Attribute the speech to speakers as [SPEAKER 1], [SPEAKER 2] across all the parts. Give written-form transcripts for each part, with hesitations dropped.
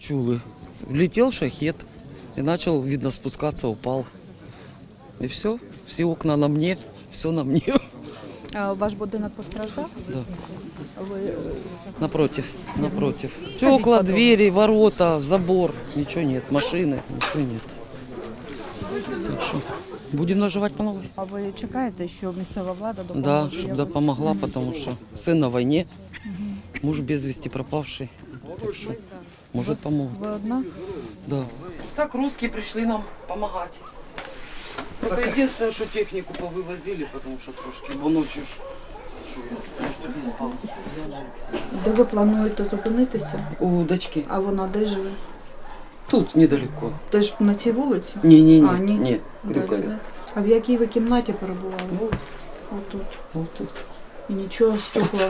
[SPEAKER 1] чули. Летел шахет и начал, видно, спускаться, упал. И все окна на мне, все на мне.
[SPEAKER 2] А ваш будинок постраждав?
[SPEAKER 1] Да.
[SPEAKER 2] Ви
[SPEAKER 1] Напротив.
[SPEAKER 2] Скажите,
[SPEAKER 1] Стекла,
[SPEAKER 2] подробно.
[SPEAKER 1] двери, ворота, забор. Ничего нет, машины, ничего нет. Так что будем наживать по новой.
[SPEAKER 2] А ви чекаєте, що місцева влада допоможе?
[SPEAKER 1] Да,
[SPEAKER 2] якось?
[SPEAKER 1] чтобы допомогла, потому что сын на войне, муж без вести пропавший. Так что, может, помогут.
[SPEAKER 2] Ви одна?
[SPEAKER 1] Да. Так русские пришли нам помогать. Только единственное, что технику повывозили, потому что трошки, бо ночью ж, що я, может, не спал.
[SPEAKER 2] Де ви плануєте зупинитися?
[SPEAKER 1] У дочки.
[SPEAKER 2] А вона де живе?
[SPEAKER 1] Тут недалеко.
[SPEAKER 2] Теж на цій вулиці?
[SPEAKER 1] Не-не-не,
[SPEAKER 2] А, ні?
[SPEAKER 1] не,
[SPEAKER 2] Да,
[SPEAKER 1] Крюкове.
[SPEAKER 2] да, да. А в якій ви кімнаті перебували?
[SPEAKER 1] Вот,
[SPEAKER 2] Отут.
[SPEAKER 1] вот тут.
[SPEAKER 2] І нічого, стекла.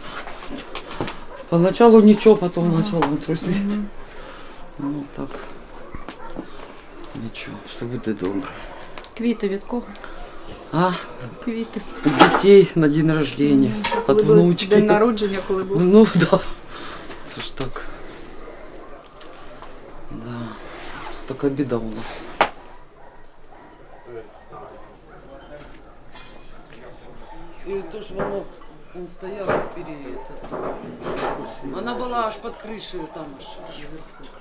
[SPEAKER 1] Поначалу ничего, потом начало трусить. Ну так. Ничего, все буде добре.
[SPEAKER 2] Квіти від кого?
[SPEAKER 1] А,
[SPEAKER 2] Квіти.
[SPEAKER 1] детей на день рождения, от
[SPEAKER 2] Коли ви-
[SPEAKER 1] внучки.
[SPEAKER 2] День народження, коли був?
[SPEAKER 1] Ну да. Це ж так. Да. Це така біда у нас. И то ж воно, он стоял перед... Она была аж под крышей там аж.